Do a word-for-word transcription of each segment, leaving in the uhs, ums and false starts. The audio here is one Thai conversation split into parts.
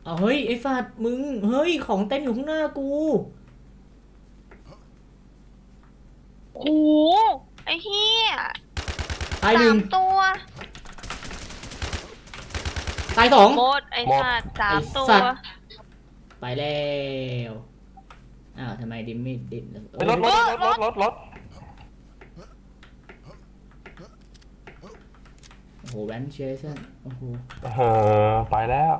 เอาเฮ้ยไอ้สัตว์มึงเฮ้ยของเต็มอยู่ข้างหน้ากูโอ้ไอ้เหี้ยตายหสานึ่งมตัวตายสองหมดไอ้สัตว์สามตัวไปแล้วอ้าวทำไมดิมไม่ดิมรถรถรถรถรถรถโอ้โหแวนเชสันโอ้โหเออไปแล้ว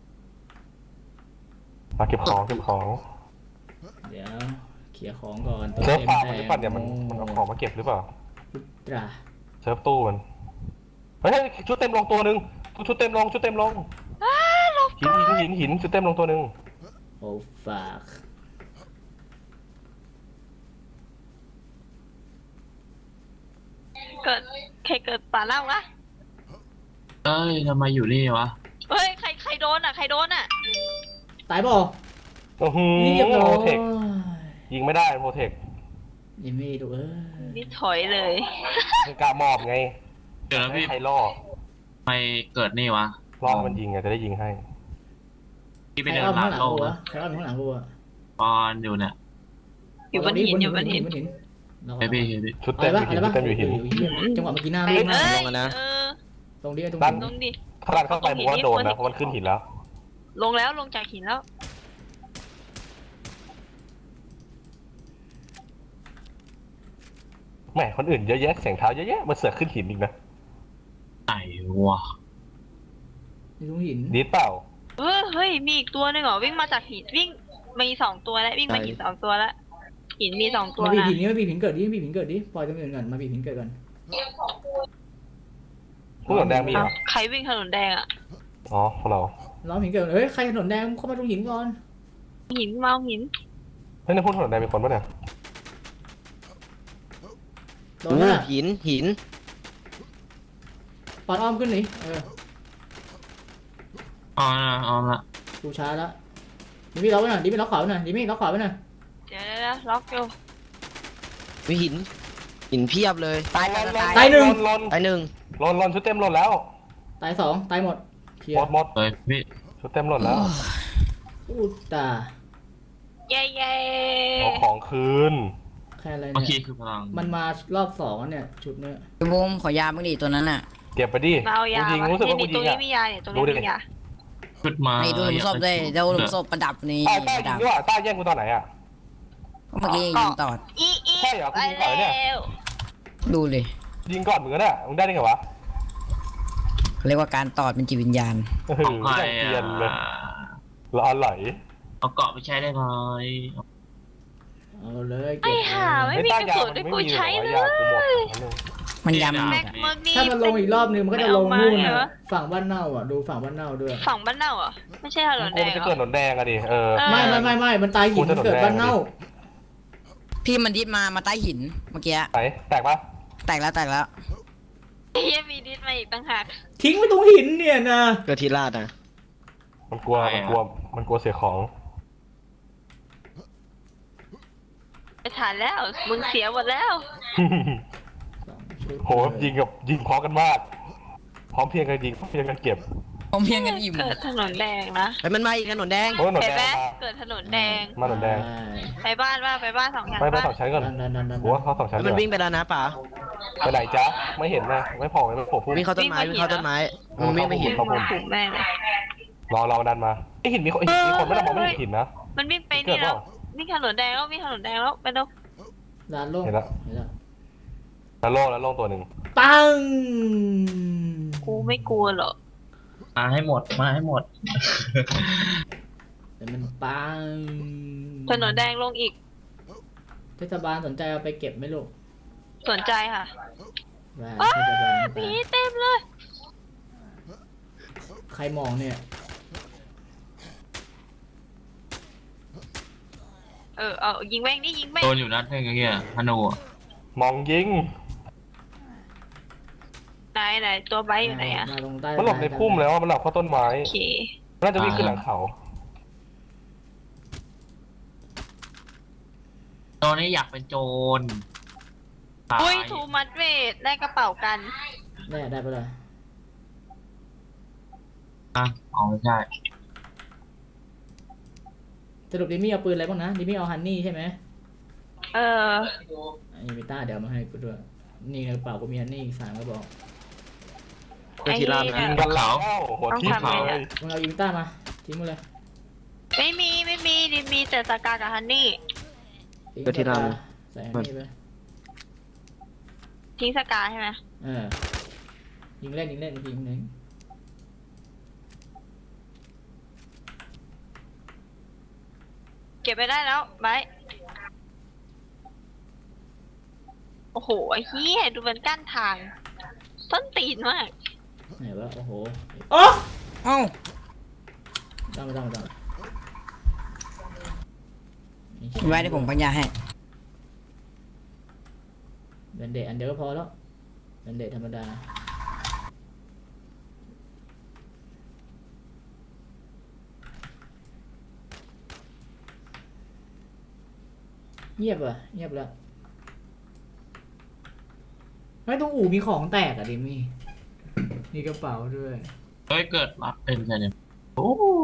มาเก็บของเก็บของเดี๋ยวเคลียร์ของก่อนตัวเซิร์ฟเต็มฟาร์มแต่มันหรือเปล่าเนี่ยมันมันเอาของมาเก็บหรือเปล่าตราเซิร์ฟตู้มันเฮ้ยชุดเต็มลงตัวหนึ่งชุดเต็มลงชุดเต็มลงหินหินหินหินชุดเต็มลงตัวหนึ่งโอ้ฝากเกิดใครเกิดป่าเล่าวะเอ้ยทำไมอยู่นี่วะเฮ้ยใครใครโดนอ่ะใครโดนอ่ะตายบ่โอ้โหเรียบร้อโปรเทคยยิงไม่ได้โปรเทคยังไม่ดูเออนี่ถอยเลยคือกล้ามอบไงเดี๋ยวนะพี่ใครล่อทำไมเกิดนี่วะล่อมันยิงไงจะได้ยิงให้พี่ไปใครเดินอ้อมหลัข้าง งหลังโลกูกวะใครอ้อมข้างหลังกูวะปอนอยู่เนี่ยอยู่บนหินอยู่บนหินบนหินเฮ้ยพี่เฮ้ยพี่ชุดเต็มอยู่หินชุดเต็มอยู่หินจังหวะเมื่อกี้หน้าเอ้ไม่ยมาเอ้ยลงนะเออตรงนี้ตรงด้านนี้ลงดิถ้าดันเข้าไปผมว่าโดนนะเพราะมันขึ้นหินแล้วลงแล้วลงจากหินแล้วแหมคนอื่นเยอะแยะเสียงเท้าเยอะแยะมันเสือกขึ้นหินอีกนะไหนวะตรงหินดีดเปล่าเออเฮ้ยมีอีกตัวหนึงเหรอวิ่งมาจากหินวิ่งมีสองตัวแล้ววิ่งมาหินสองตัวแล้วหินมีสองตัวมาบีบนะหินนี่มาบีบหินเกิดดิบีบหินเกิดดิปล่อยตรงอื่นก่อนมาบีบหินเกิดก่อนผู้หลงแดงมีเหรอใครวิ่งถนนแดงอ่ะอ๋อพวกเราล้อมหินเกิดเฮ้ยใครถนนแดงเข้ามาตรงหินก่อนหินเมาหินเฮ้ยในผู้ถนนแดงมีคนปะเนี่ยโดนน่ะหินหินปอดอ้อมขึ้นหนิเอออ๋อนะอ๋อละกูช้าแล้วดิมี่ล็อกไว้หน่อยดิมี่ล็อกขวาไว้หน่อยดิมี่ล็อกขวาไว้หน่อยเดี๋ยวเดี๋ยวล็อกอยู่มีหิน หินเพียบเลย ตายตายตายตายหนึ่งลนตายหนึ่งลนลนชุดเต็มลนแล้วตายสองตายหมดเคลียหมดร์หมดเฮ้ยพี่ชุดเต็มลนแล้วอูตาเย้เย้เอาของคืนแค่อะไรเมื่อกี้เนี่ยคือพลังมันมารอบสองแล้วเนี่ยชุดเนี้ยพี่บูมขอยาบ้างดิตัวนั้นน่ะเก็บไปดิมาเอายากูยิงวะรู้สึกนี่ว่ากูนี่ยิตรง งนี้อ่ะมียาเนี่ยตรงนี้ดูดิมียาขึ้นมาไอ้ดูหลุมศพได้เดี๋ยวหลุมศพประดับนี่อ้าวต้าประยิดังบด้วยอ่ะต้าแย่งกูตอนไหนอ่ะก็เมื่อกี้ยิงตอดอีอีใช่เหรอไปกูยิงก่อนเนี่ยแล้วดูเลยยิงก่อนเหมือนกันอ่ะมึงได้ได้ไงวะเขาเรียกว่าการตอดเป็นจิตวิญญาณเออของใครเกลียนเลยอ่ะร้อนไหลเอาเกาะไปใช้ได้ไหมเอาเลยไอ้เก็บห่าไม่มีกระสุนด้วยกูใช้เลยยากูหมดอันนึงมันยำแม็กเมอร์นี่ถ้ามันลงอีกรอบนึงมันก็จะลงไม่นู่นเอามาเหรอน่ะฝั่งบ้านเน่าอ่ะดูฝั่งบ้านเน่าด้วยฝั่งบ้านเน่าเหรอไม่ใช่ถนนกูแดงมันจะเหรเกิดอหนอนแดงอะดิเออเออไม่ไม่ไม่ไม่มันตายหินกูจะมันเกิดโดนแดงบ้านเน่าพี่มันดิดมามาใต้หินเมื่อกี้ไหนแตกปะแตกแล้วแตกแล้วเฮียมีดิสมาอีกต่างหากทิ้งไว้ตรงหินเนี่ยนะเกิดทีลาดนะมันกลัวมันกลัวมันกลัวเสียของไปฐานแล้วมึงเสียหมดแล้วสองชุดโหยิงกับยิงพร้อมกันมาก พร้อมเพรียงกันยิงพร้อมเพรียงกันเก็บผมเพียงกันอิ่มเกิดถนนแดงนะไอ้ยมันมาอีกถนนแดงโอ้ยหนอนเห็นแดไหมงมาเกิดถนนแดงมาหนอนแดงไปบ้านว่าไปบ้านสองอย่างไปไปบ้านสองชั้นก่อนดันดันดันดันหัวเขาสองชั้นแล้วมันวิ่งไปแล้วนะป๋าไปไหนจ๊ะไม่เห็นนะไม่พอไม่พอพุ่งวิ่งเข้าต้นไม้วิ่งเข้าต้นไม้มันวิ่งไปหินครับผมถูกแม่เลยรอรอดันมาไอหินมีคนมีคนไม่ได้มองไม่เห็นหินนะมันวิ่งไปเกินี่ดเปแล้ล่าววิ่งถนนแดงแล้ววิ่งถนนแดงแล้วไปดูดันลงเห็นแล้วเห็นแล้วแล้วโล่งแล้วโล่งตัวหนึ่งปังกูไม่กลัวหรอกมาให้หมดมาให้หมดแต่มันปังถนนแดงลงอีกเทศบาลสนใจเอาไปเก็บไหมลูกสนใจค่ะว่าว้าเทศบาลผีเต็มเลยใครมองเนี่ยเออเอายิงแม่งนี่ยิงแม่งโดนอยู่นัดหนึงไอ้เงี้ยธนูอะมองยิงไหนไหนตัวไบค์อยู่ไหนอะมาลงใต้มันหลบในพุ่มแล้วมันหลบเข้าต้นไม้โอเคน่าจะวิ่งขึ้นหลังเขาตอนนี้อยากเป็นโจรตายอุ้ยทูมัดเวทได้กระเป๋ากันได้ได้ไปเลยอ่ะเอาไม่ใช่สรุปดิมี่เอาปืนอะไรบ้างนะดิมี่เอาฮันนี่ใช่ไหมเอออันนี้มีต้าเดี๋ยวเอามาให้กูด้วยนี่ในกระเป๋ากูมีฮันนี่อีกสามกระบอกก็ที่ร้านไอ้นะนี่กันแล้วหัวทิ่มต้องทำไงเลเนี่ยยมึงเอาอีวิต้ามาทิ้งมาเลยไม่มีไม่มีดิมีแต่สกากับฮันนี่ทิ้งก็ที่ร้านใส่ฮันนี่ไปทิ้งสกาใช่ไหมเออยิงเล่นยิงเล่นยิงเล่นเก็บไปได้แล้วไบร์ทโอ้โหไอ้เหี้ยดูมันกั้นทางส้นตีนมากไหนวะโอ้โหโอ้เอ้าต้องไม่ต้องไม่ต้องไว้เดี๋ยวผมปัญญาให้แบนเดตอันเดียวก็พอแล้วแบนเดตธรรมดาเงียบอ่ะเงียบแล้วไม่ต้องอู่มีของแตกอ่ะดิมี่มีกระเป๋าด้วยเฮ้ยเกิดมาเป็นไงเนี่ยโอ้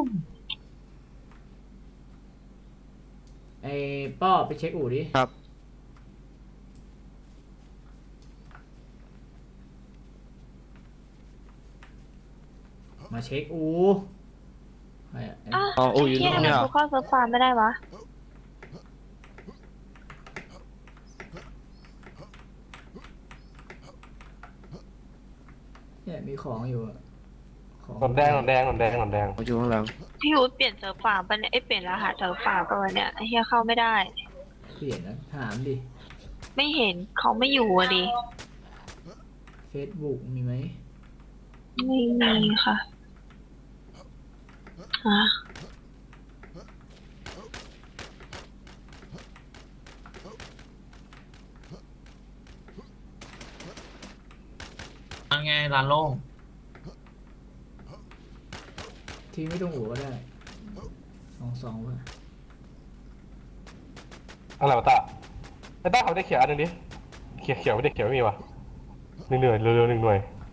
ไอ้ป้อไปเช็คอู่ดิครับมาเช็คอูใครอะไอ้อ้าวอ๋ออู่อยู่เหี้ยตรงทำไมเนี้ยกูเข้าเซิร์ฟฟาร์มไม่ได้วะเนี่ยมีของอยู่อะของหนอนแดงหนอนแดงหนอนแดงหนอนแดงผมอยู่ข้างหลังพี่อู๊ดเปลี่ยนเซิร์ฟฟาร์มปะเนี่ยไอยเปลี่ยนรหัสเซิร์ฟฟาร์มปะวะเนี่ยไอ้เหี้ยเข้าไม่ได้เปลี่ยนนะถามดิไม่เห็นเขาไม่อยู่อะดิเฟซบุ๊กมีไหมไม่มีค่ะฮะอันไงร้านโล่งทีไม่ต้องอู่ก็ได้สองสองว่ะอะไรวะตาไอ้ตาเขาได้เขียวอันหนึงดิเขียวเขียวไม่ได้เขียวไม่มีวะหนึ่งหน่วยเร็วๆหนึ่งหน่วย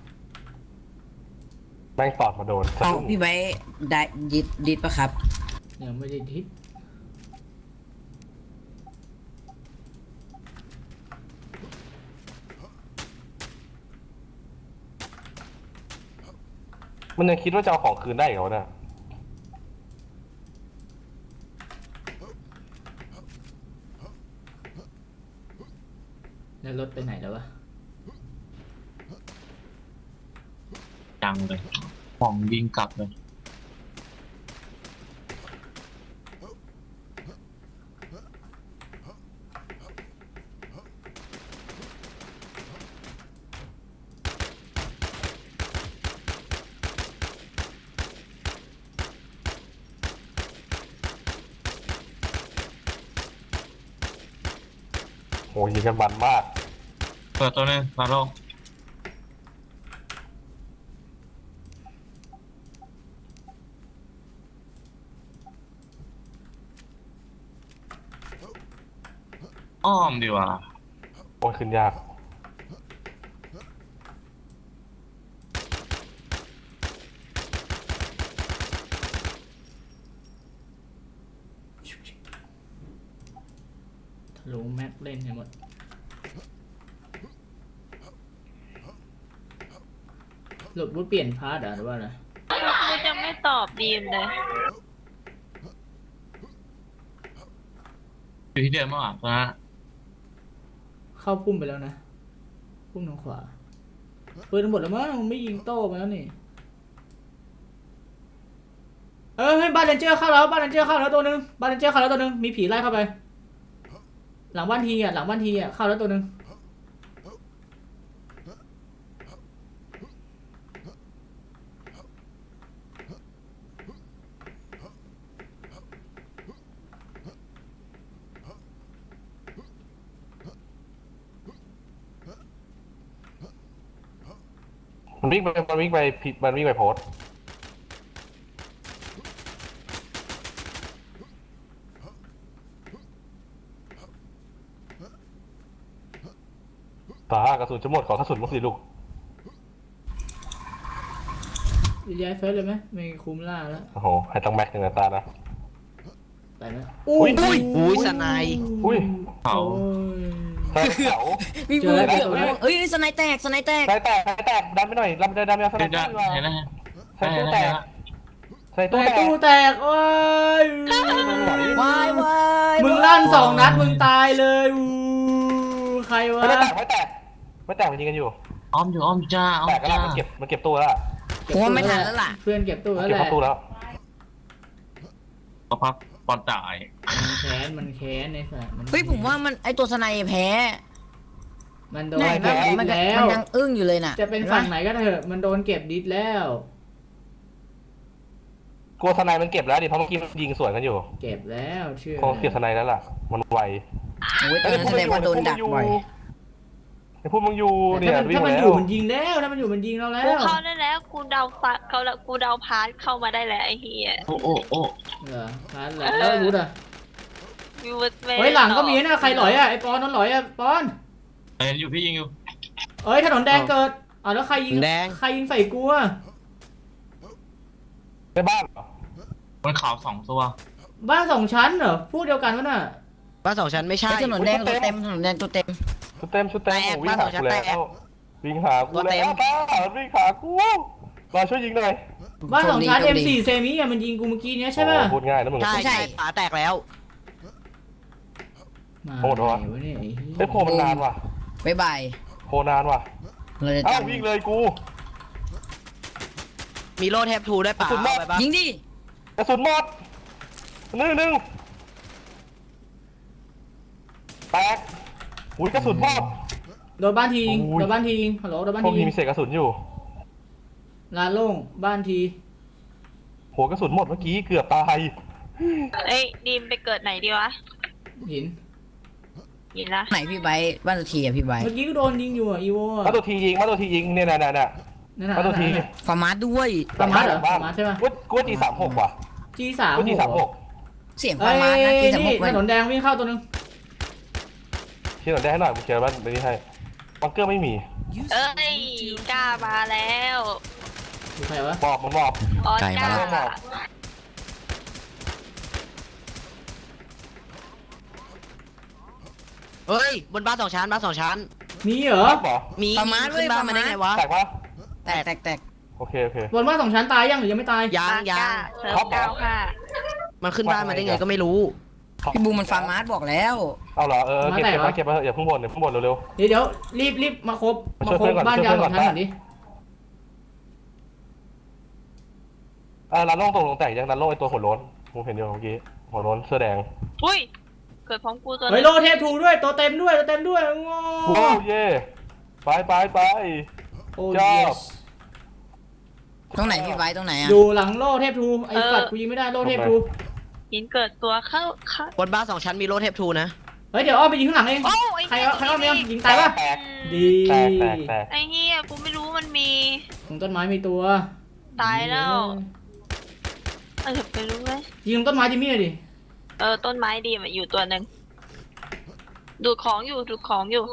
แม่งตอดมาโดนเอ้าพี่ไว้ได้ดิดดิดปะครับยังไม่ได้ทิศมันยังคิดว่าจะเอาของคืนได้เหรอเนี่ยแล้วรถไปไหนแล้ววะจังเลยของยิงกลับเลยโหยิงกันมันมากเปิดตัวหนึงร้านโล่งอ้อมดีกว่าโอ้ยขึ้นยากทะลุแม็กเล่นให้หมดหลบวุฒเปลี่ยนพาร์ทอ่ะหรือว่าอะไรกูจะไม่ตอบดีมเลยอยู่ที่เดิมเมื่อวานตอนนั้นเข้าพุ่มไปแล้วนะพุ่มทางขวาปืนหมดแล้วมั้งไม่ยิงโต้มาแล้วนี่เออให้บ้านเรนเจอร์เข้าแล้วบ้านเรนเจอร์เข้าแล้วตัวหนึงบ้านเรนเจอร์เข้าแล้วตัวหนึงมีผีไล่เข้าไป หลังบ้านทีอ่ะหลังบ้านทีอ่ะเข้าแล้วตัวหนึงมันวิ่งไปมันวิ่งไปผิดมันวิ่งไปโพสต์ตากระสุนจะหมดขอกระสุนมุกสิลูกย้ายเฟสเลยไหมไม่คุ้มล่าแล้วโอ้โหให้ต้องแม็กหนึ่งนะตานะไปไหมอุ้ยอุ้ยอุ้ยสไนยอุ้ยเขาโอ้ยใส่เขาพี่เจบูอแล้วเกือบเจอแล้วเอ้ยสไนแตกสไนแตกใส่แตกใส่แตกดันไปหน่อยดันดันไปเอาสเห็นไนได้เปอร์ดีกว่าเห็นแล้วใส่ตู้แตกใส่แต่ตู้แตกตู้แตกโอ้ยวายวายมึงลั่นสองนัดมึงตายเลยอู้ใครวะไม่แตกไม่แตกไม่แตกมันยิงกันอยู่อ้อมอยู่อ้อมจ้าอ้อมแตกก็แล้วจ้ามันเก็บมันเก็บตู้แล้วผมว่าไม่ทันแล้วล่ะเพื่อนเก็บตู้แล้วเก็บแหละเข้าตู้แล้วก็พักปอนตายมันแค้นมันแค้นในสัตว์นเฮ้ยผมว่ามันไอตัวสไนแพ้มันโดนไหนเก็บดิสมันแล้วมันยังอึ้งอยู่เลยน่ะจะเป็นฝั่งไหนก็เถอะมันโดนเก็บดิสแล้วกลัวสไนมันเก็บแล้วดิเพราะเมื่อกี้มันยิงสวนกันอยู่เก็บแล้วเชื่อคงเก็บสไนแล้วล่ะมันไวโอ้ยตอนนั้นแสดงว่าโดนดักบ่อยไอ้พวกมึงอยู่แต่เนี่ยถ้ามันวิ่งถ้ามันแล้อยู่วมันยิงแล้วถ้ามันอยู่มันยิงเราแล้กูวเข้าได้แล้วกูเดาฟักเขาละกูเดาพาร์ทเข้ามาได้แล้วไอ้เฮียโอ้โอ้โอ้เหรอพันแหละแล้วรู้อ่ะวิวเวเฮ้ยหลังก็มีนะใครหลอยอ่ะไอปอนนนหลอยอ่ะปอนเห็นอยู่พี่ยิงอยู่เอ้ยถนนแดงเกิดอ๋อแล้วใครยิงแดงใครยิงใส่กูอ่ะในบ้านเหรอบนเขาสองตัวบ้านสองชั้นเหรอพูดเดียวกันวะน่ะบ้านสองชั้นไม่ใช่ไอถนนแดงตัวเต็มถนนแดงตัวเต็มชุดเต็มชุดเต็มแตกวิ่งหากูบ้านสองชั้นแล้แตกววิ่งหากูตัวเต็แล้วมป้าวิ่งหากูรอช่วยยิงหน่อยบ้านสองชั้นโชเอ็คมดีสี่เซมิอ่ะมันยิงกูเมื่อกี้เนี้ยใช่ป่ะโอ้พูดง่ายนะมึงใช่ใช่ฝาแตกแล้วมาโหดวะไหนวะเนี่ยไอ้เหี้ยไอ้ยโพมันนานว่ะบ๊ายบายโพนานว่ะเราจะเอ้าจำวิ่งเลยกูมีโลเทปทูด้วยเปล่าสุดมากเอาไปปะยิงดิกระสุนหมดหนึ่งหนึ่งแตกอุ้ยกระสุนหมดโดนบ้านทียิงโอ้ยโดนบ้านทียิงฮัลโหลโดนบ้านพวกทีนี้ยิงมีเศษกระสุนอยู่ลานโล่งบ้านทีหัวกระสุนหมดเมื่อกี้เกือบตายเอ้ยดีมไปเกิดไหนดีวะหินยินละไหนพี่ไบร์ทบ้านตัวทีอะพี่ไบร์ทเมื่อกี้ก็โดนยิงอยู่อ่ะอีโวมาตัวทียิงมาตัวทียิงเนี่ยน่ะน่ะน่ะนั่นน่ะมาตัวทีนั่นน่ะฟาร์มาสด้วยฟาร์มาสเหรอบ้นฟาร์มาสใช่ปะกูกูจีสามหกว่ะจีสามกูจีสามหกเสียงเอ้ฟาร์มาสนะยที่สมมนี่ติถนนแดงวิ่งเข้าตัวนึงเชื่อหน่อยได้ให้หน่อยกูเชื่อว่าในนี้ให้บังเกอร์ไม่มีเอ้ยกล้ามาแล้วดูใครวะบอกมันบอกออสกาไก่มาแล้วเฮ้ยบนบ้านสองชั้นบ้านสองชั้นมีเหรอบอกมีฟาร์มาสขึ้เว้ยนบ้านฟาร์มามาได้สไงวะแตกปะแตกแตกแตกโอเคโอเคบนบ้านสองชั้นตายยังหรือยังไม่ตายยังยังเซิร์ฟเก้าค่ะมันขึ้นบ้านมาได้ไงก็ไม่รู้พี่บูมมันฟาร์มาสบอกแล้วเอาเหรอเออเก็บเก็บมาเก็บมาอย่าเพิ่งบ่นอย่าเพิ่งบ่นเร็วเดี๋ยวเดี๋ยวรีบรีบมาครบมามาช่วยครบเพื่อนก่อนบ้านยาวช่สวยองเพื่ชั้อน นก่อนก่อนดิๆอ่าร้านโล่งตรงลงแตกยังร้านโล่ไอตัวหัวโล้นผมเห็นอยู่เมื่อกี้หัวโล้นเสื้อแดงอุ้ยเกิดพร้อมกูตัวเฮ้ยนึโลงเทปทูด้วยตัวเต็มด้วยตัวเต็มด้วยโง่โอ้เย่ไปไปไปโอ้ชอบยตรงไหนพี่ไบร์ทตรงไหนอะอยู่หลังโลเทปทูไอ้สัตว์กูยิงไม่ได้โลเทปทูหินเกิดตัวเข้าเข้าบนบ้านสองชั้นมีโลเทปทูนะเฮ้ยเดี๋ยวอ้อมไปยิงข้างหลังเองโอ้ไอ้ใครเหี้ยเอาใครเอาตรงเนี่ยนี้ยิงตายปะแตกดีแตกแตกแตกไอ้เฮียกูไม่รู้มันมีตรงต้นไม้มีตัวตายแล้วเออไปรู้ไหมยิงตรงต้นไม้จิมมี่เลยดิเออต้นไม้ดีมันอยู่ตัวหนึ่งดูดของอยู่ดูดของอยู่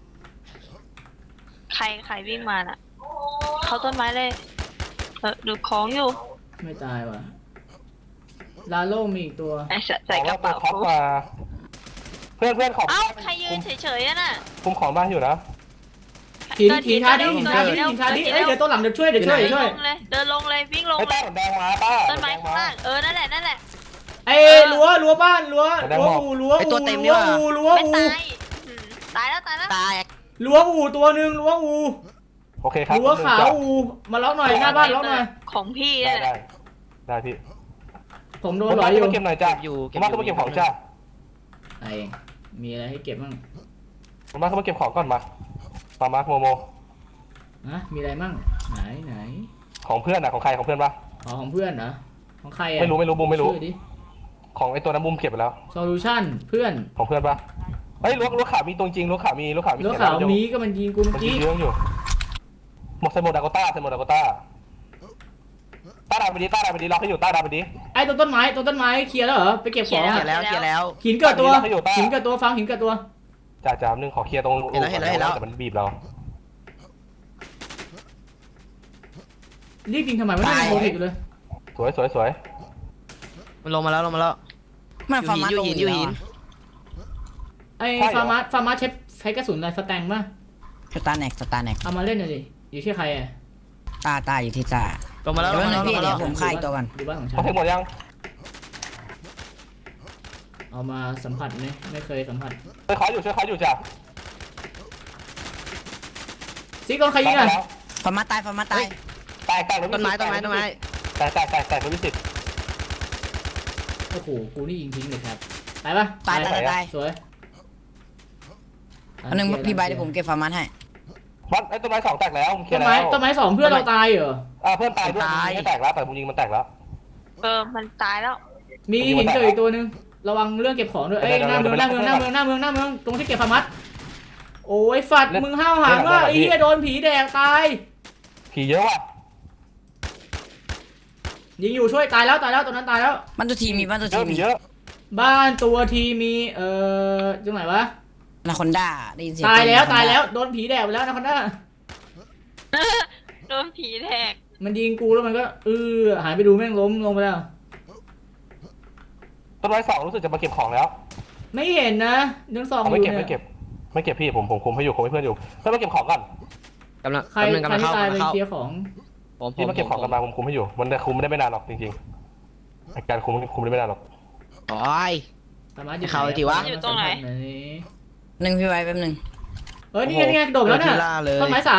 ใครใครวิ่งมาน่ะ เขาต้นไม้เลย เออดูดของอยู่ไม่ตายว่ะลาโลมีอีกตัวไอ้ใส่ใส่กระเป๋าท็อปมาเพื่อนเพื่อนของเอ้าใครยืนเฉยๆอะน่ะคุมของบ้านอยู่นะหินเกิดหินทาดิเร็วหินเกิทาดดิเร็วหินทาดิเกิดเอ้ยเร็วเดี๋ยวตัวหลังเดี๋ยวช่วยเดี๋ยวช่วยเดี๋ยวช่วยลงเลยเดินลงเลยวิ่งลงไอ้เลใต้ยหนแดงมาป้าต้นไม้ข้างล่างเออนั่นแหละนั่นแหละไอ้รั้วรั้วบ้านรั้วแดงรั้วหมอกอูรั้วไอ้อูตัวเต็มนี่รั้วว่ะอูรั้วไม่อูตายอืมตายแล้วตายแล้วตายรั้วอูตัวหนึ่งรั้วอูโอเคครับรั้วขาวอูมาล็อกหน่อยหน้าบ้านล็อกหน่อยของพี่ได้นี่แหได้ละได้พี่ผมโดผนมหลมาอยอยู่เก็บหน่อยจ้าเก็บอยู่ผมมาเก็บของจ้าไอ้มีอะไรให้เก็บบ้างผมมาเก็บของก่อนมามามาโมโมนะมีอะไรบ้างไหนไหนของเพื่อนอะของใครของเพื่อนปะอ๋อของเพื่อนเหรอของใครอ่ะไม่รู้ไม่รู้บุมไม่รู้ชื่อดิของไอ้ตัวนั้นบุมเก็บไปแล้วโซลูชั่นเพื่อนของเพื่อนปะเฮ้ยรั้วรั้วขาวมีตรงจริงรั้วขาวมีรั้วขาวมีรั้วเขียนขาวอยู่มีก็มันยิงกูเมื่มัอนยิกี้งเรื่องอยู่หมดใส่หมดดากต้าใส่หมดดากต้าต้าดาไปดีต้าดาไปดีล็อกให้อยู่ต้าดาไปดีไอ้ต้นต้นไม้ต้นต้นไม้เคลียร์แล้วเหรอไปเก็บของเขียอะนแล้วเขียนแล้วหินเกิดตัวให้อยู่ต้าหินเกิดตัวฟังหินเกิดตัวจ่าจ่าหนึ่งขอเคลียร์ตรงเห็นแล้วเห็นแล้วเห็นแล้วแต่มันบีบเรารีบยิงทำไมไม่ได้โควิดเลยสวยสวยสวยมันลงมาแล้วลงมาแล้วมันฟาร์มาอยู่ตรงหินนี้อยู่หินไอ้ฟาร์มาฟาร์มาใช้ใช้กระสุนอะไรสแตงป่ะสตาร์แน็กสตาร์แน็กเอามาเล่นหน่อยดิอยู่ที่ใครอ่ะตาตาอยู่ที่ตาลงมาแล้วลเดี๋ยวงมานะแล้วลพี่งมาเดี๋แล้ยว วผมฆ่าอีกตัวก่อนดูบ้านของฉัเขานเทคหมดยังเอามาสัมผัสไหมไม่เคยสัมผัสช่วยเขาอยู่ช่วยเขาอยู่จ้ะซิกโดนใครยิงอ่ะฟาร์มาตายฟาร์มาตายแตกแตกต้นไม้ต้นไม้ต้นไม้แตกแตกแตกแตกรถวิสิตโอ้โหกูนี่ยิงทิ้งเลยครับตายปะตายตายตายตายสวยอันนึงพี่ใบเดี๋ยวผมเก็บฟาร์มาให้วัดไอ้ต้นไม้สองแตกแล้วมึงเคลียต้นร์แล้ไม้วต้นไม้สองเพื่อนเราตายเหรออ่าเพื่อนตายด้วยมึงไม่แตกแล้วแต่มึงยิงมันแตกแล้วเออมันตายแล้วมีหินเจออีกตัวหนึงระวังเรื่องเก็บของด้วยเอ้ยหน้าเมืองหน้าเมืองหน้าเมืองหน้าเมืองหน้าเมืองตรงที่เก็บฟาร์มัสโอ้ยฝัดมึงห้าวหางว่าไอ้เหี้ยโดนผีแดกตายผีเยอะว่ะยิงอยู่ช่วยตายแล้วตายแล้วตัวนั้นตายแล้วบ้านตัวทีมีบ้านตัวเยทีอะผีมีเยอะบ้านตัวทีมีเอ่อตรงไหนวะนาคอนด้าได้ยินเสียงตายแล้วเสีงตายแล้วโดนผีแดกไปแล้วนะคนน่าโดนผีแทกมันยิงกูแล้วมันก็เออหายไปดูแม่งล้มลงไปแล้วต้นไม้สองรู้สึกจะมาเก็บของแล้วไม่เห็นนะเรื่องซองอไม่ยู่เก็บเนี่ไม่เก็ยบไม่เก็บพี่ผมผมคุมให้อยู่คุมให้เพื่อนอยู่เพื่อนมาเก็บของก่อนกำลังใครกำลังใครกำลังที่เข้าตายกำไปลังเข้าเคลียร์ของผมผพี่มมาเก็บของกันมาผมคุมให้อยู่มันคุมไม่ได้ไม่นานหรอกจริงๆอาการคุมคุมได้ไม่นานหรอกโอ้ยสามารถอยู่เข้าเลยดิวะอยู่ตรงไหนหนึ่งพี่ใบแป๊บหนึงเออนี่ไงนี่ไงโดดแล้วเนี่ยเจอที่ล่าเลยต้นไม้สาม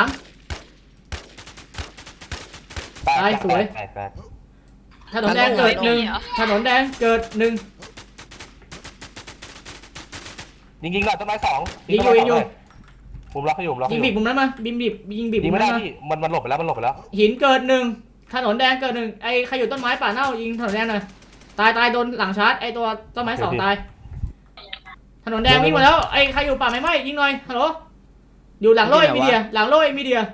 แตกตายสวยแตกแตกถนนแดงเกิดหนึ่งถนนแดงเกิดหนึ่งยิงยิงหน่อยต้นไม้สองยิงอยู่ยิงอยู่ผมล็อกให้อยู่ผมล็อกยิให้งอยู่บีบมุมนั้นมาบิมบีบยิงบีบยิมุงมไม่นั้ได้นมาพี่มันมันหลบไปแล้วมันหลบไปแล้วหินเกิดหนึ่งถนนแดงเกิดหนึ่งไอ้ใครอยู่ต้นไม้ป่าเน่ายิงถนนแดงหน่อยตายตายโดนหลังชาร์จไอ้ตัวต้นไม้สองตายถนนแดงวิ่งมาแล้วไอ้ใครอยู่ป่าไม้ไหม้ยิงหน่อยฮัลโหลอยู่หลังโล่มีเดียหลังโล่มีเดีย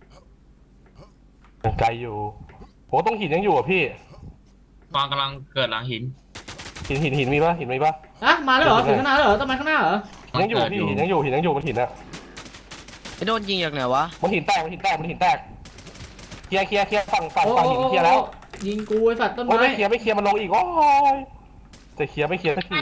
ไกลอยู่โหต้องหินยังอยู่อ่ะพี่กวางกำลังเกิดหลังหินหินหินหินมีปะหินมีปะอะมาแล้วเหรอถึงข้างหน้าแล้วเหรอต้นไม้ข้างหน้าเหรอยังอยู่พี่หินยังอยู่หินยังอยู่มันหินอะไอ้โดนยิงจากไหนวะมันหินแตกมันหินแตกมันหินแตกเคลียร์เคลียร์เคลียร์ฝั่งฝั่งโอ้ฝั่งหินเคลียร์แล้วยิงกูไอ้สัตว์ต้นโอ้ยไม้ไม่เคลียร์ไม่เคลียร์มันลงอีกโอ้ยจะเคลียร์ไม่เคลียร์สักที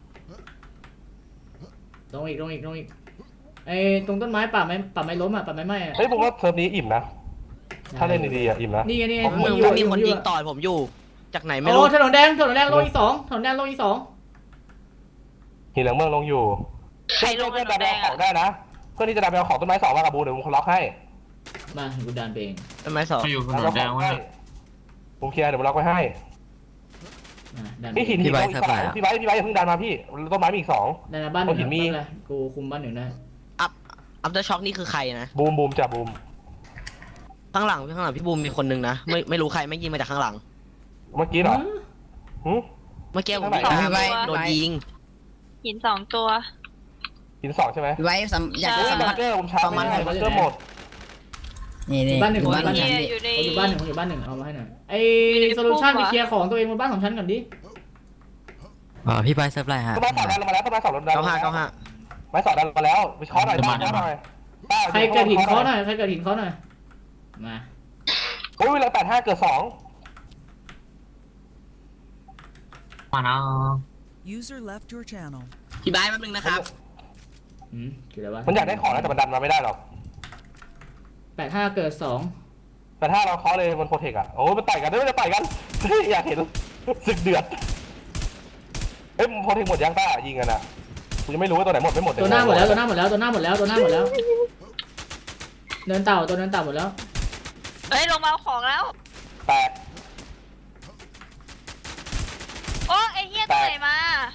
ลงอีกลงอีกลงอีกไอ้ตรงต้นไม้ป่าไม้ป่าไม้ล้มอ่ะป่าไม้ไหม้อ่ะเฮ้ยผมว่าเทอมนี้อิ่มนะถ้าเล่นดีๆอ่ะอิ่มนะนี่ไงนี่ไงผมยิงอมึยู่งมีคนอยิงต่อยผมอยู่ จากไหนไม่โอ้รู้ถนนแดงถนนแดงโลอีกสองถนนแดงโลอีกสองหินเหลืองเมืองลงอยู่ใครลงเพื่อนถนดันนแดไปงเอาขอะองได้นะเพื่อนที่จะดันไปเอาของต้นไม้สองมากับบูเดี๋ยวผมล็อกให้มากูดันไปเองต้นไม้สองเขาอยู่ถนดันนเอาแดของ งวะให้เนี่ยผมเคลียร์เดี๋ยวผมล็อกไว้ให้อ่ะดันนี่หินหินลงอีกสองพี่ไว้พี่ไว้อย่าเพิ่งดันมาพี่ต้นไม้มีอีกสองดันมาบ้านหนึ่งเอาหินมีไม่เป็นไรกูคุมบ้านหนึ่งได้อัพอัพเดอร์ช็อคนี่คือใครนะบูมบูมจ้ะบูมข้างหลังข้างหลังพี่บูมมีคนนึงนะ ไม่ไม่รู้ใครไม่ยิงมาจากข้างหลังเมื่อกี้เหรอหืมเมื่อกี้ผมข้างไหนยิงพี่ใบโดนยิงหินสองตัวหินสองใช่ไหมพี่ใบสัมอยากเฮ้จะยสัมบัผังสเกอร์ผมชาร์จไม่ได้บังเกอร์หมดนี่นี่บ้านหนึ่งอยู่บ้านบ้านหฉันึ่นงพี่อยู่ในผมอยู่บ้านหนึ่งผมอยู่บ้านหนึ่งเอามาให้หน่อยไอ้อยู่ในโซลูชันปุ๊ไปบอะเคลียร์ของตัวเองบนบ้านของฉันก่อนดิอ่าพี่ไปเซิร์ฟไรฮะต้นไม้สองดันลงมาแล้วต้นไม้สองดันเก้าห้าเก้าห้าไม้สองดันลงมาแล้วไปเคาะหน่อยต้าเคาะหน่อยต้าใครเกิดหินเขาหน่อยใครเกิดหินเขาหน่อยมาโอ้ยเวลาแปดห้าเกิดสองมานะ User left your channel. พี่ใบแป๊บนึงนะครับอืมเกิดอะไรวะมันอยากได้ของนะแต่มันดันมาไม่ได้หรอกแปดห้าเกิดสองแต่ถ้าเราเคาะเลยมันโปรเทคอะโอ้ยมันต่อยกันด้วยมันจะต่อยกันเฮ้ยอยากเห็นศึกเดือดเอ้ยมันโปรเทคหมดยังต้ายิงกันอะกูยังไม่รู้ว่าตัวไหนหมดไม่หมดตัวหน้าหมดแล้วตัวหน้าหมดแล้วตัวหน้าหมดแล้วตัวหน้าหมดแล้วเนินเต่าตัวเนินเต่าหมดแล้วเฮ้ยลงมาเอาของแล้วแตกโอ้ไอ้เหี้ยตรงไหนมา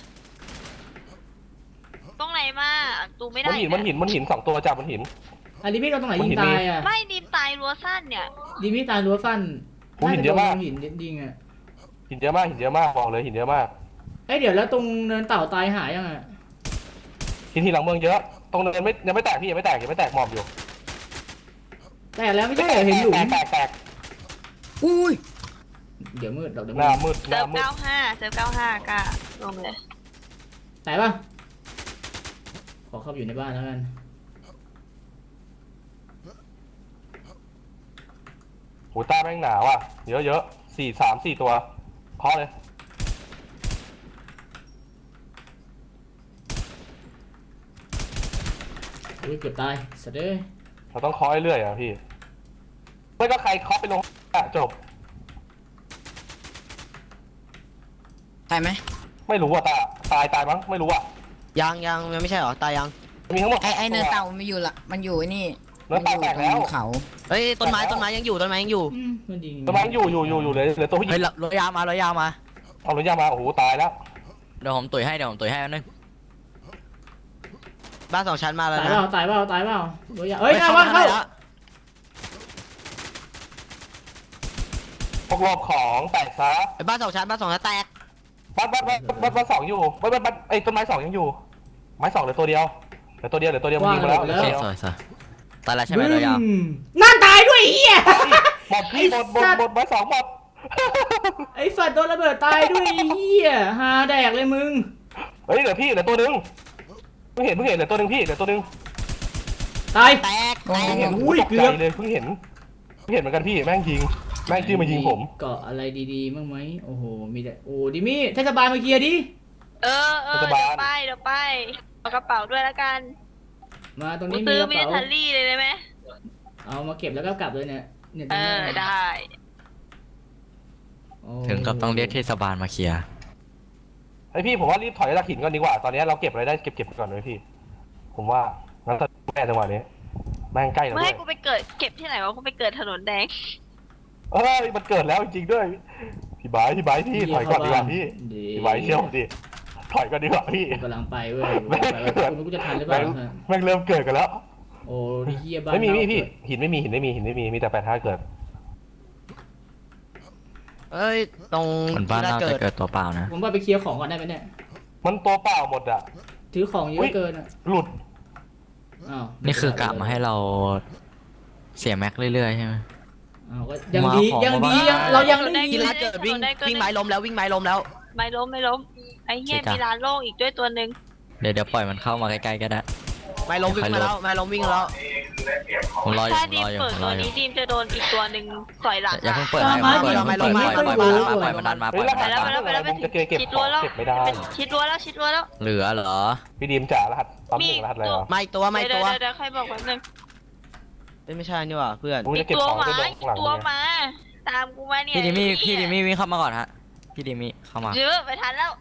ตรงไหนมาดูไม่ได้มันหินมันหินมันหินสองตัวจับมันหินอันนี้พี่เราตรงไหนมันยิหิงนตายมีอ่ะไม่ดีมตายรัวสั้นเนี่ยดีพี่ตายรั้วสั้นโอ้หินเยอะมากน่จโดหินยิงอ่ะหินเยอะมากหินเยอะมากบอกเลยหินเยอะมากเอ้ยเดี๋ยวแล้วตรงเนินเต่าตายหายยังอ่ะหินที่หลังเมืองเยอะตรงเนินไม่ยังไม่แตกพี่ยังไม่แตกยังไม่แตกหมอบอยู่แต่แล้วไม่ใช่เหรอเห็นหลุมแตกแตกแตกอุ้ยเดี๋ยวมืดเดี๋ยวหน้ามืดมืดหเซิน้าร์ฟมืดเก้าห้าเซิร์ฟเก้าห้ากะลงเลยแต่ปะขอเข้าไปอยู่ในบ้านแล้วกันโหต้าแม่งหนาวอ่ะเยอะเยอะสี่สามสี่ตัวเคาะเลยอุ้ยเกือบตายสัตว์เอ้ยเราต้องเคาะเรื่อยๆอ่ะพี่ไม่ก็ใครเคาะไปลงอ่ะจบใช่ไหมไม่รู้อ่ะตาตายตายมั้งไม่รู้อ่ะยังยังยังไม่ใช่เหรอตายยังมีทั้งหมดไอไอเนินเต่ามันอยู่ละมันอยู่ไอ้นี่เนินเต่าแตกแล้วมันอยู่ตรงเขาเฮ้ยต้นไม้ต้นไม้ยังอยู่ต้นไม้ยังอยู่อืมมันยิงตัวมันอยู่อยู่อยู่อยู่เลยเหลือตัวผู้หญิเฮ้ยงรถยาวมารถยาวมาเอารถยามาโอ้โหตายแล้วเดี๋ยวผมตุ๋ยให้เดี๋ยวผมตุ๋ยให้อันนึงบ้านสองชั้นมาแล้วตายนะเปล่าตายเปล่าตายเปล่าโดยยาเอ้ยหน้าบ้านเข้าแล้วพวกรอบของแตกซะไอ้บ้านสองชั้นบ้านสองชั้นแตกบ้านบ้านบ้านบ้านบ้านสองอยู่บ้านบ้านบ้านไอ้ต้นไม้สองยังอยู่ ไม้สองเหลือตัวเดียวเหลือตัวเดียวเหลือตัวเดียวมันยิงมาแล้วเหลือโอตัวเคเดียวสวยสวยตายแล้วใช่ไหมรถยาวบึ้มนั่นตายด้วยไอ้เหี้ยหมดพี่หมดหมดหมดไม้สองหมดไอ้สัตว์โดนระเบิดตายด้วยไอ้เหี้ยหาแดกเลยมึงเฮ้ยเหลือพี่เหลือตัวหนึงเพิ่งเห็นเพิ่งเห็นเหลือตัวหนึงพี่เหลือตัวหนึงตายแตกโอ้แตกเห็นอุ้ยตกเกืใจอบเลยเพิ่งเห็นเพิ่งเห็นเหมือนกันพี่แม่งยิงแม่งชื่อมายิงผมเกาะอะไรดีๆบ้างไหมโอ้โหมีแต่โอ้ดิมี่เทศบาลมาเคลียร์ดิเออเออเดี๋ยวไปเดี๋ยวไปเอากระเป๋าด้วยละกันมาตรงกูนี้มีซื้อกระมิลิเป๋าเทอรี่เลยได้ไหมเอามาเก็บแล้วก็กลับเลยเนี่ยเนี่ยตรเองนี้อได้โอ้ถึงกับต้องเรียกเทศบาลมาเคลียร์ไอพี่ผมว่ารีบถอยจากหินก่อนดีกว่าตอนนี้เราเก็บอะไรได้เก็บเก็บก่อนเลยพี่ ผมว่างั้นถ้าแม่จังหวะนี้แม่งใกล้แล้วไม่ด้วให้ยกูไปเกิดเก็บที่ไหนวะกูไปเกิดถนนแดงเอ้ยมันเกิดแล้วจริงๆด้วยพี่บายพี่บายพี่ถอยก่อนดีกว่าพี่พี่บายเชี่ยวดิถอยก่อนดีกว่าพี่กูกำลังไปเว้ยแม่งไปเว้ยกูไม่รู้กูจะทันหรือเปล่าแม่งแม่งเริ่มเกิดกันแล้วโอ้ดิเฮียบ้านไม่มีพี่เน่าพี่หินไม่มีหินไม่มีหินไม่มีมีแต่แปดห้าเกิดเอ้ยตรงคนบ้านที่น่าเกิจะดเกิดตัวเปล่านะผมว่าไปเคลียร์ของก่อนได้ไหมเนี่ยมันตัวเปล่าหมดอ่ะถือของเยอุ๊อะยเกินอ่ะหลุดอ้าวนี่คือกะมาให้เราเสียแม็กเรื่อยๆใช่ไหมอ้าวก็ยังดีมาของยังดีมายังเรายังได้ที่ยินร้านเกิดวิ่งวิ่งไม้ล้มแล้ววิ่งไม้ล้มแล้วไม่ล้มไม่ล้มไอ้เหี้ยเสียจ้ะมีร้านโล่งอีกด้วยตัวหนึ่งเดี๋ยวเดี๋ยวปล่อยมันเข้ามาใกล้ๆก็ได้ไม้ล้มวิ่งมาแล้วไม้ล้มวิ่งแล้วผมรออยู่ถ้าผมดีรมออยู่เปิดผมรตัอวอยู่นี้ดีมจะโดนอีกตัวหนึ่งต่อยหลังอย่าเพิ่งเปิดตามให้มาเปิดดิให้ปล่อยมันปล่อยมันปล่อยมันปล่อยมันดันมาปล่เฮ้อยยมันรดัหันสมาไปแล้วไปแล้วไปแล้วไปผมจะเก็บชิดขรั้อวงแล้วเก็บไม่ได้ชิดรั้วแล้วชิดรั้วแล้วเหลือเหรอพี่ดีมจ๋ารหัสตอนหนึ่งรหัสอะไรวะไม่ตัวไม่เดี๋ตัยว วเดี๋ยวใครบอกแป๊บนึงเอ้ยไม่ใช่นี่หว่าเพื่อนกูอีจะกเก็บตัวของหมาได้ลงอีกหลังตัวเนี่ยหมาตามกูมาเนี่ยพี่ดิมี่ไอ้พี่เหี้ยดิมี่วิ่งเข้ามาก่อนฮะพี่ดิมี่เข้ามาเยอะไปทันแล้ว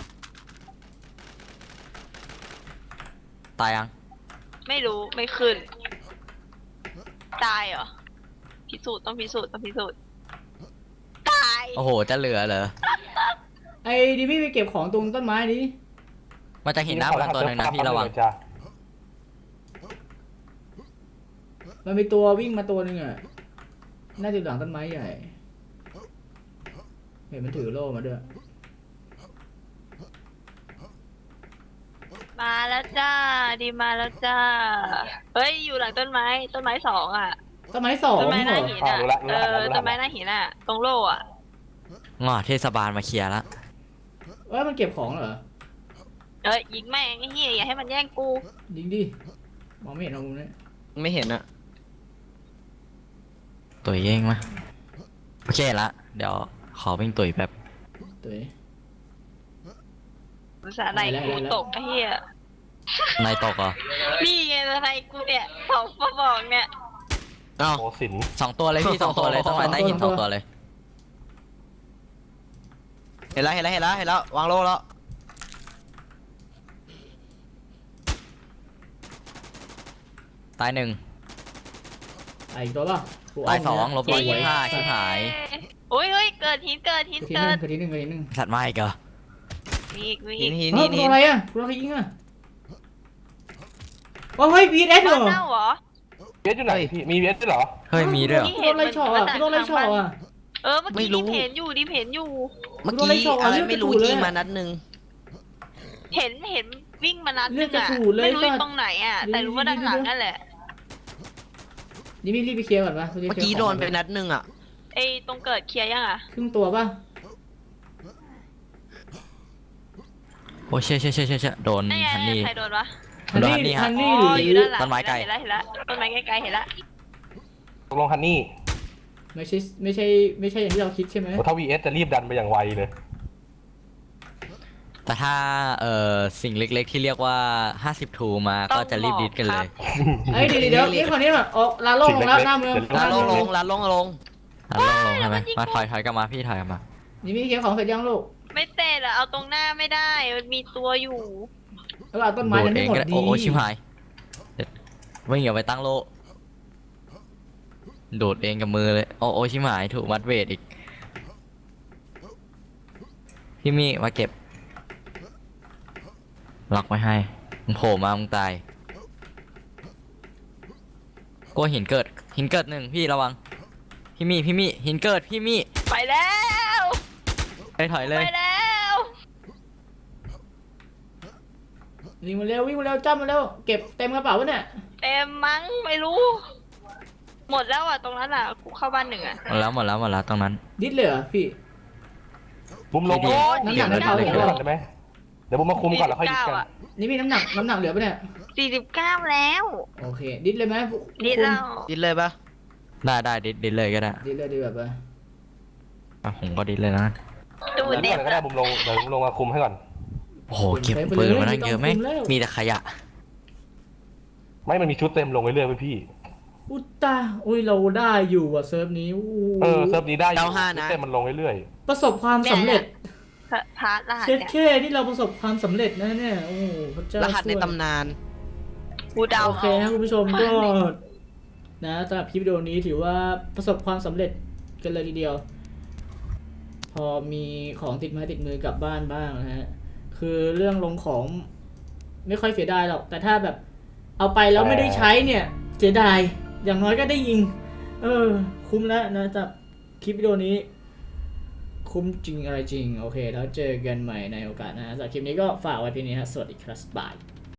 ตายยังไม่รู้ไม่ขึ้น ตายเหรอพิสูจน์ต้องพิสูจน์ต้องพิสูจน์ตายโอ้โหจะเหลือเหรอไอ้ดิมี่ไปเก็บของตรงต้นไม้ดิมาจากหินหน้ามันตัวหนึ่งนะพี่ระวังจ้ะมันมีตัววิ่งมาตัวหนึงอ่ะน่าจะหลังต้นไม้ใหญ่เห็นมันถือโล่มาด้วยมาแล้วจ้าดีมาแล้วจ้าเฮ้ยอยู่หลังต้นไม้ต้นไม้สองอ่ะต้นไม้สองต้นไม้หเหรน้าอหินอ่ะเออต้นไม้หน้าหินอ่ะตรงโล่อ่ะงอเทศบาลมาเคลียร์ละเอ้ยมันเก็บของเหรอเอ้ยยิงแม่งไอ้เหี้ยอย่าให้มันแย่งกูยิงดิมองไม่เห็นเอามุมนี้ไม่เห็นอะตุ๋ยเองมาโอเคละเดี๋ยวขอวิ่งตุ๋ยแป๊บตัวเองภาษาไหนกูตกไอ้เหี้ยนายตกเหรอนี่ไงอะไรกูเนี่ยสองกระบอกเนี่ยเอ้าโอ้สินสองตัวเลยพี่สองตัวเลยต้องมาใต้หินสองตัวเลยเห็นแล้วเห็นแล้วเห็นแล้วเห็นแล้ววางโลแล้วตายหนึ่งไอ้อีกตัวป่ะกูเตายสองลบร้อยสวยี่สิบห้าชิบหายโอ้ยเฮ้ยเกิดหินเกิดหินทีหเกินึ่ดงทีหนึ่งทีหนึ่งสัตว์มาอีกเหรอมีอีกมีหิอีนกหินเฮ้หิยนตัหิวน อะไรอ่ะกูใครยิงอ่ะว้าวเฮ้ยบีเอสเหรบ้านอเน่าเหรอเวสอยู่ไหนพี่มีเวสด้วยเหรอเฮ้ยมีด้วยเหรอกูโดนไล่ช็อตอ่ะกูโดนไล่ช็อตอ่ะเออเมื่อกี้ดิมเห็นอยู่ดิมเห็นอยู่เมื่อโดนไล่กี้ช็อตอะไรเลือดไม่รู้กระฉูดเลยยิงมานัดหนึ่งเห็นเห็นวิ่งมานัดเลืนึอดงกระอ่ะฉูดเลยไม่รู้อสัยู่ตว์ตรงไหนอ่ะ แต่รู้ว่าด้านหลังนั่นแหละนี่มีรีบไปเคลียร์ก่อนป่ะเมื่อกี้โดนไปนัดหนึ่งอะไอ้ตรงเกิดเคลียร์ยังอ่ะครึ่งตัวป่ะโอ้เชี่ยเชี่ยเชี่ยเชี่ยเชี่ยโดนนั่นไงฮันนี่ใครโดนวะฮันนี่ฮันนี่ฮะฮันอ๋นี่อหอยู่รือด้านหลังต้นไม้ไกลเห็นแล้วเห็นแล้วต้นไม้ไกลๆเห็นแล้วตกลงฮันนี่ไม่ใช่ไม่ใช่ไม่ใช่อย่างที่เราคิดใช่ไหมโอ้ถ้าวีเอสจะรีบดันไปอย่างไวเลยแต่ถ้าเอ่อสิ่งเล็กๆที่เรียกว่าห้าสิบทูมาก็จะรีบดิสกันเลยไอ้ยเดี๋ยวเดี๋ยวนี่คนนี้แบบออกลาโล่งลงแล้วหน้าเมืองลาลงลงลาลงลงอ่ะลงลงใช่ไหมมาถอยถอยกลับมาพี่ถอยกลับมานี่มีเก็บของเสร็จยังลูกไม่เตะอะเอาตรงหน้าไม่ได้ มันมีตัวอยู่แล้วเอาต้นไม้โดยัดงเอไม่งหมดก็ได้ดีโอ้โอ้ชิบหายวิ่งอย่าไปตั้งโลโดดเองกับมือเลยโอ้โอ้ชิบหายถูกมัดเวทอีกพี่มี่มาเก็บล็อกไว้ให้มึงโผล่มามึงตายกลัวหินเกิดหินเกิดหนึ่งพี่ระวังพี่มี่พี่มี่หินเกิดพี่มี่ไปแล้วไปถอยเลยไปแล้ววิ่งมาเร็ววิ่งมาเร็วจ้ำมาเร็วเก็บเต็มกระเป๋าวะเนี่ยเต็มมั้งไม่รู้ หมดแล้วอ่ะตรงนั้นอ่ะกูเข้าบ้านหนึ่งอ่ะหมดแล้วหมดแล้วหมดแล้วตรงนั้นดิดเลยเหรอพี่บุมลงดีน้ำหนักเดี๋ยวเท่าไหร่เดี๋ยวก่อนได้ไหมเดี๋ยวบุมมาคุมก่อนแล้วค่อยดิสกันอ่ะนี่มีน้ำหนักน้ำหนักเหลือปะเนี่ยสี่สิบเก้าแล้วโอเคดิดเลยไหมนี่เราดินเลยปะได้ได้ดิดดิดเลยก็ได้ดิดเลยดีแบบว่าอ่ะผมก็ดิดเลยนะดูเดี๋ยวเด็ก่ดอนก็ได้อะบุมลงเดี๋ยวบุมลงมาคุมให้ก่อนโอ้โหเก็บปืนมาตั้งเยอะไหมมีแต่ขยะไม่มันมีชุดเต็มลงเรื่อยๆเว้ยพี่อุยตาอุ้ยเราได้อยู่อ่ะเซิร์ฟนี้อู้เออเซิร์ฟนี้ได้อยู่ชุดเต็มมันลงเรื่อยประสบความสำเร็จพาร์ทรหัสเช็ดเนี่ยแค่ที่เราประสบความสำเร็จนะเนี่ยโอ้พระเจ้ารหัสในช่วยตำนานกูเดาโอเคเอานะคุณผู้ชมก็นะสำหรับคลิปวิดีโอนี้ถือว่าประสบความสำเร็จกันเลยทีเดียว พอมีของติดไม้ติดมือกลับบ้านบ้างนะฮะคือเรื่องลงของไม่ค่อยเสียดายหรอกแต่ถ้าแบบเอาไปแล้วไม่ได้ใช้เนี่ยเสียดายอย่างน้อยก็ได้ยิง เออ คุ้มแล้วนะสำหรับคลิปวิดีโอนี้ คุ้มจริงอะไรจริงโอเคแล้วเจอกันใหม่ในโอกาสหนะสำหรับคลิปนี้ก็ฝากไว้เพียงนี้ฮะสวัสดีครับบาย